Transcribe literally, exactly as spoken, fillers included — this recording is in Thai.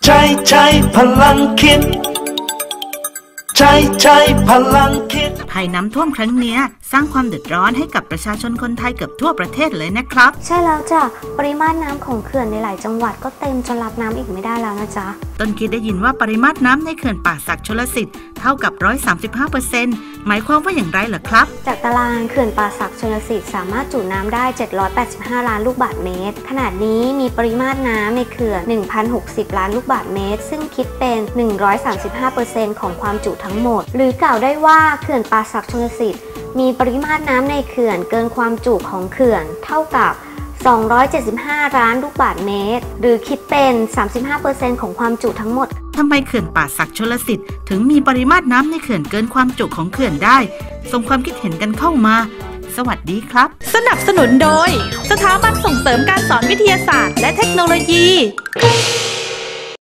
ใช้ใช้พลังคิดใช้ใช้พลังคิดภัยน้ำท่วมครั้งนี้สร้างความเดือดร้อนให้กับประชาชนคนไทยเกือบทั่วประเทศเลยนะครับใช่แล้วจ้ะปริมาตรน้ำของเขื่อนในหลายจังหวัดก็เต็มจนรับน้ำอีกไม่ได้แล้วนะจ๊ะต้นคิดได้ยินว่าปริมาตรน้ำในเขื่อนป่าสักชลสิทธิ์เท่ากับ หนึ่งร้อยสามสิบห้าเปอร์เซ็นต์ หมายความว่าอย่างไรเหรอครับจากตารางเขื่อนป่าสักชลสิทธิ์สามารถจุน้ำได้เจ็ดร้อยแปดสิบห้าล้านลูกบาศก์เมตรขณะนี้มีปริมาตรน้ำในเขื่อน หนึ่งพันหกสิบ ล้านลูกบาศก์เมตรซึ่งคิดเป็น หนึ่งร้อยสามสิบห้าเปอร์เซ็นต์ ของความจุทั้งหมดหรือกล่าวได้ว่าเขื่อนป่าสักชลสิทธิ์มีปริมาตรน้ำในเขื่อนเกินความจุของเขื่อนเท่ากับสองร้อยเจ็ดสิบห้าล้านลูกบาศก์เมตรหรือคิดเป็น สามสิบห้าเปอร์เซ็นต์ ของความจุทั้งหมดทำไมเขื่อนป่าสักชลสิทธิ์ถึงมีปริมาตรน้ำในเขื่อนเกินความจุของเขื่อนได้ส่งความคิดเห็นกันเข้ามาสวัสดีครับสนับสนุนโดยสถาบันส่งเสริมการสอนวิทยาศาสตร์และเทคโนโลยี